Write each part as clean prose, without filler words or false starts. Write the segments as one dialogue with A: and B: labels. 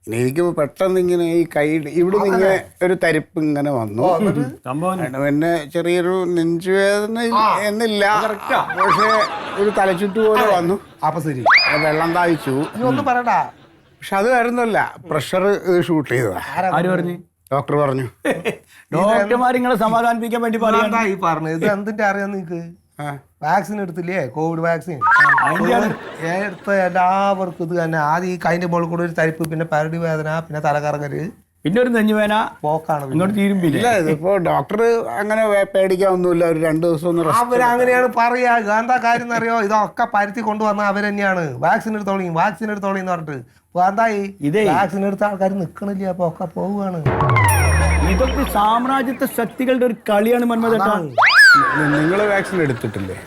A: എനിക്ക് പെട്ടെന്ന് ഇങ്ങനെ ഈ കൈ ഇവിടെ ഇങ്ങനെ ഒരു തരിപ്പ് ഇങ്ങനെ വന്നു. പിന്നെ ചെറിയൊരു നെഞ്ചുവേദന എന്നില്ല, പക്ഷെ ഒരു തലച്ചുറ്റ് പോലെ വന്നു.
B: അപ്പൊ ശരി,
A: വെള്ളം താഴ്ച്ചു.
B: ഒന്നും പറയടാ.
A: പക്ഷെ അത് വരുന്നല്ല, പ്രഷർ ഷൂട്ട് ചെയ്തതാ.
C: ആര് പറഞ്ഞു?
A: ഡോക്ടർ പറഞ്ഞു.
C: ഡോക്ടർമാർ നിങ്ങളെ സമാധാനിപ്പിക്കാൻ വേണ്ടി
B: പറയാ ഈ പറഞ്ഞു. ഇത് എന്തിന്റെ അറിയാം നിങ്ങക്ക്? വാക്സിൻ എടുത്തില്ലേ, കോവിഡ് വാക്സിൻ. എടുത്ത എല്ലാവർക്കും ഇത് തന്നെ. ആദ്യം ഈ കൈന്റെ മുകളിൽ കൂടെ ഒരു തരിപ്പ്, പിന്നെ പരടി വേദന, പിന്നെ തലകറങ്ങല്,
C: പിന്നെ ഒരു നെഞ്ഞുവേന, പോക്കാണ്. ഇങ്ങോട്ട് തീരുമ്പില്ല.
A: ഇതിപ്പോ ഡോക്ടർ അങ്ങനെ പേടിക്കാനൊന്നുമില്ല, ഒരു 2 ദിവസം ഒന്ന്
B: അവരങ്ങനെയാണ് പറയാ. എന്താ കാര്യം എന്നറിയോ? ഇതൊക്കെ പരുത്തി കൊണ്ടുവന്ന അവരെന്നെയാണ്. വാക്സിൻ എടുത്തോളി, വാക്സിൻ എടുത്തോളി എന്ന് പറഞ്ഞിട്ട്. എന്തായി, വാക്സിൻ എടുത്ത ആൾക്കാർ നിക്കണില്ല, അപ്പൊ ഒക്കെ പോവുകയാണ്.
C: ഇതൊക്കെ സാമ്രാജ്യത്വ ശക്തികളുടെ ഒരു കളിയാണ് മന്മഥേട്ടാ.
A: നിങ്ങൾ വാക്സിൻ എടുത്തിട്ടില്ലേ?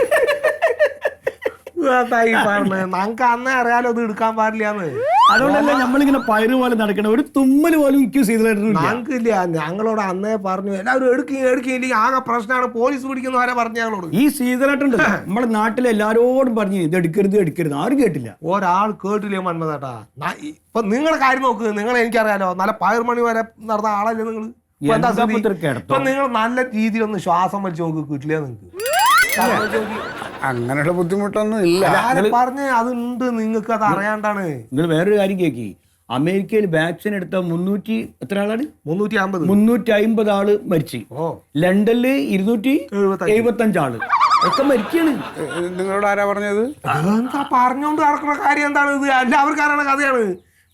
B: നമുക്ക് അന്നേ അറിയാലോ ഇത് എടുക്കാൻ പാടില്ലാന്ന്.
C: അതുകൊണ്ടല്ലേ നമ്മളിങ്ങനെ പയറ് പോലെ നടക്കണം. ഒരു തുമ്മല് പോലും
B: ഞങ്ങൾക്കില്ല. ഞങ്ങളോട് അന്നേ പറഞ്ഞു എല്ലാവരും എടുക്കില്ലെങ്കിൽ ആകെ പ്രശ്നമാണ്, പോലീസ് പിടിക്കുന്ന വരെ പറഞ്ഞു ഞങ്ങളോട്.
C: ഈ സീതളായിട്ടുണ്ട് നമ്മുടെ നാട്ടിലെ എല്ലാരോടും പറഞ്ഞു ഇത് എടുക്കരുത് എടുക്കരുത്, ആരും കേട്ടില്ല.
B: ഒരാൾ കേട്ടില്ലേ മന്മഥേട്ടാ? ഇപ്പൊ നിങ്ങളുടെ കാര്യം നോക്ക്. നിങ്ങൾ എനിക്കറിയാലോ, നല്ല പയർമണി വരെ നടന്ന ആളല്ലേ നിങ്ങൾ. ഇപ്പൊ നിങ്ങൾ നല്ല രീതിയിലൊന്ന് ശ്വാസം വലിച്ചു നോക്ക്, കിട്ടില്ല നിങ്ങൾക്ക്.
A: അങ്ങനെയുള്ള ബുദ്ധിമുട്ടൊന്നും ഇല്ല.
B: പറഞ്ഞ് അതുണ്ട്, നിങ്ങൾക്ക് അത് അറിയാണ്ടാണ്.
C: നിങ്ങൾ വേറൊരു കാര്യം കേക്കി, അമേരിക്കയിൽ വാക്സിൻ എടുത്ത 300 എത്ര ആളാണ്?
B: 350
C: ആള് മരിച്ചു. ലണ്ടനില് 275 ആള് ഒക്കെ മരിക്കാണ്.
A: നിങ്ങളോട് ആരാ പറഞ്ഞത്?
B: എന്താ പറഞ്ഞോണ്ട് നടക്കുന്ന കാര്യം എന്താണ് ഇത്? എല്ലാവർക്കും അറിയണ കഥയാണ്.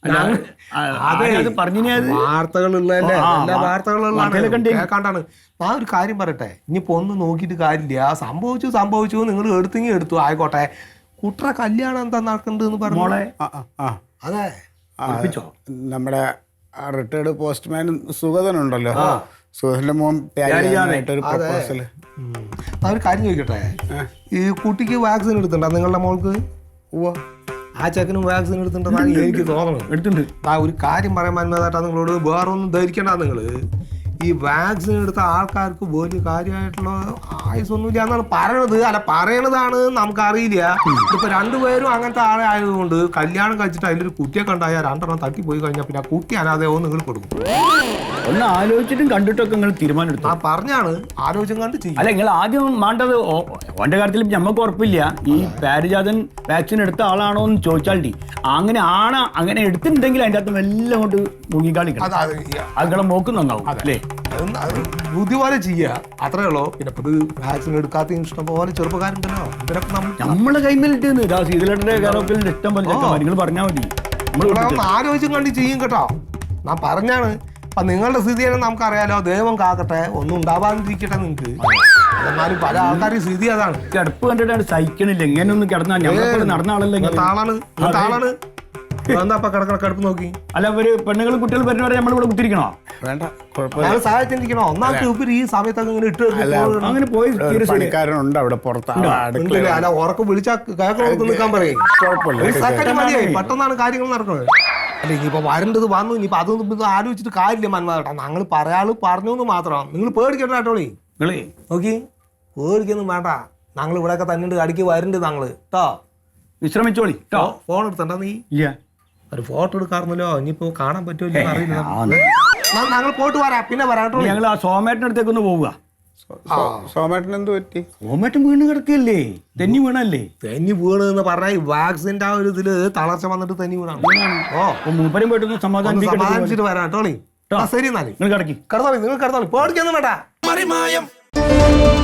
B: വാർത്തകളുള്ളതല്ലേ, എല്ലാ വാർത്തകളുള്ളതാണ്. ആ ഒരു കാര്യം പറയട്ടെ, ഇനിയിപ്പോ ഒന്നും നോക്കിയിട്ട് കാര്യമില്ല. സംഭവിച്ചു നിങ്ങൾ എടുത്തു ആയിക്കോട്ടെ. കുട്ടറ കല്യാണം എന്താ നടക്കണ്ടെന്ന് പറഞ്ഞു. അതെ,
A: നമ്മുടെ റിട്ടയർഡ് പോസ്റ്റ്മാൻ സുഗതനുണ്ടല്ലോ, സുഗതന്റെ മോൻ ഒരു പ്രപ്പോസല്.
B: ആ ഒരു കാര്യം ചോദിക്കട്ടെ, ഈ കുട്ടിക്ക് വാക്സിൻ എടുത്തിട്ടുണ്ടോ നിങ്ങളുടെ മോൾക്ക്? ആ ചെക്കനും വാക്സിൻ എടുത്തിട്ടുണ്ടെന്നാണ് എനിക്ക് തോന്നുന്നത്.
C: എടുത്തിട്ടുണ്ട്.
B: ആ ഒരു കാര്യം പറയാൻ മന്മഥേട്ടാ, നിങ്ങളോട് വേറൊന്നും ധരിക്കണ്ട. നിങ്ങള് ഈ വാക്സിൻ എടുത്ത ആൾക്കാർക്ക് വലിയ കാര്യമായിട്ടുള്ള ആയുസൊന്നുമില്ല എന്നാണ് പറയണത്. അല്ല, പറയണതാണ് നമുക്കറിയില്ല. ഇപ്പൊ രണ്ടുപേരും അങ്ങനത്തെ ആളെ ആയതുകൊണ്ട് കല്യാണം കഴിച്ചിട്ട് അതിലൊരു കുട്ടിയെ കണ്ടായാൽ 2 എണ്ണം തട്ടിപ്പോയി കഴിഞ്ഞാൽ പിന്നെ ആ കുട്ടി അനാഥയോ നിങ്ങൾ കൊടുക്കും.
C: ഒന്ന് ആലോചിച്ചിട്ടും കണ്ടിട്ടൊക്കെ നിങ്ങൾ തീരുമാനം എടുത്തു.
B: ആ പറഞ്ഞാണ്, ആലോചിച്ചും കണ്ട് ചെയ്യും.
C: അല്ല, നിങ്ങൾ ആദ്യം വേണ്ടത് ഓന്റെ കാര്യത്തിൽ ഞമ്മക്ക് ഉറപ്പില്ല. ഈ പാരിജാതൻ വാക്സിൻ എടുത്ത ആളാണോ എന്ന് ചോദിച്ചാൽ അങ്ങനെ എടുത്തിട്ടുണ്ടെങ്കിൽ അതിൻ്റെ അകത്ത് എല്ലാം കൊണ്ട് മുങ്ങിക്കാളിക്കണം. അതുങ്ങളെ നോക്കും നന്നാവും അല്ലേ?
B: ബുദ്ധി പോലെ ചെയ്യുക, അത്രേ ഉള്ളൂ. പിന്നെ ഇത് വാക്സിൻ എടുക്കാത്ത ഇഷ്ടം പോലെ ചെറുപ്പക്കാരുണ്ടല്ലോ, ഇവരൊക്കെ
C: നമ്മളെ കൈമേലിട്ട് സീതലയുടെ ഇഷ്ടം പോലെ നിങ്ങൾ പറഞ്ഞാൽ മതി.
B: നമ്മളൊന്ന് ആലോചിച്ചും കണ്ട് ചെയ്യും കേട്ടോ. ഞാൻ പറഞ്ഞാണ്. അപ്പൊ നിങ്ങളുടെ സ്ഥിതി തന്നെ നമുക്കറിയാലോ. ദൈവം കാക്കട്ടെ, ഒന്നും ഉണ്ടാവാതിരിക്കട്ടെ നിങ്ങൾക്ക്. എന്നാലും പല ആൾക്കാരുടെ സ്ഥിതി അതാണ്.
C: കിടപ്പ് കണ്ടിട്ടാണ് സഹിക്കണില്ല. എങ്ങനെയൊന്നും കിടന്നാ നടന്ന ആളല്ലേ
B: ആളാണ്. എന്താ കിടപ്പ് നോക്കി?
C: അല്ല, അവര് പെണ്ണുങ്ങളും കുട്ടികളും വരുന്നവരെ നമ്മളിവിടെ കുത്തിരിക്കണോ?
A: വേണ്ട,
B: സഹായത്തിരിക്കണോ? ഒന്നാമത്തെ ഉപരി ഈ സമയത്തൊക്കെ ഇങ്ങനെ ഇട്ട്
C: അങ്ങനെ പോയി
A: പണിക്കാരുണ്ട് അവിടെ പുറത്ത്.
B: അല്ല, ഉറക്കം വിളിച്ചാൽ കേൾക്കണം നിൽക്കാൻ പറയും. സെക്കൻഡ് മതിയായി, പെട്ടെന്നാണ് കാര്യങ്ങൾ നടക്കുന്നത്. അല്ല, ഇനിയിപ്പോ വരേണ്ടത് വന്നു. ഇനിയിപ്പോ അതൊന്നും ആലോചിച്ചിട്ട് കാര്യമില്ല മന്മഥേട്ടാ. ഞങ്ങൾ പറയാള് പറഞ്ഞു എന്ന് മാത്രം. നിങ്ങൾ പേടിക്കണ്ട കേട്ടോളി. നോക്കി, പേടിക്കൊന്നും വേണ്ട. ഞങ്ങൾ ഇവിടെയൊക്കെ തന്നെ അടിക്ക് വരണ്ട് ഞങ്ങള് കേട്ടോ.
C: വിശ്രമിച്ചോളി.
B: ഫോൺ എടുത്തണ്ട നീ? ഇല്ല, ഒരു ഫോട്ടോ എടുക്കാറുന്നല്ലോ. ഇനിയിപ്പോ കാണാൻ പറ്റുമല്ലോ അറിയില്ല. ഞങ്ങൾ പോയിട്ട് വരാം, പിന്നെ വരാം.
C: ഞങ്ങൾ ആ സോമേട്ടൻ്റെ അടുത്തേക്കൊന്ന് പോവുക.
A: സോമേട്ടൻ എന്ത് പറ്റി?
C: സോമേട്ടൻ വീണ് കിടക്കല്ലേ? തെന്നി വീണല്ലേ?
B: തെന്നി വീണെന്ന് പറഞ്ഞാൽ ഈ വാക്സിന്റെ ആ ഒരു ഇതില് തളർച്ച വന്നിട്ട് തെന്നി വീണാണ്.
C: മൂപ്പരും പോയിട്ടൊന്ന്
B: സമാധാനിച്ചിട്ട് വരാം കേട്ടോളി. ശരി, എന്നാലും
C: നിങ്ങൾ കിടക്കി
B: കിടന്നോളി. നിങ്ങൾ കിടന്നോളി, പേടിക്കൊന്നും വേണ്ട.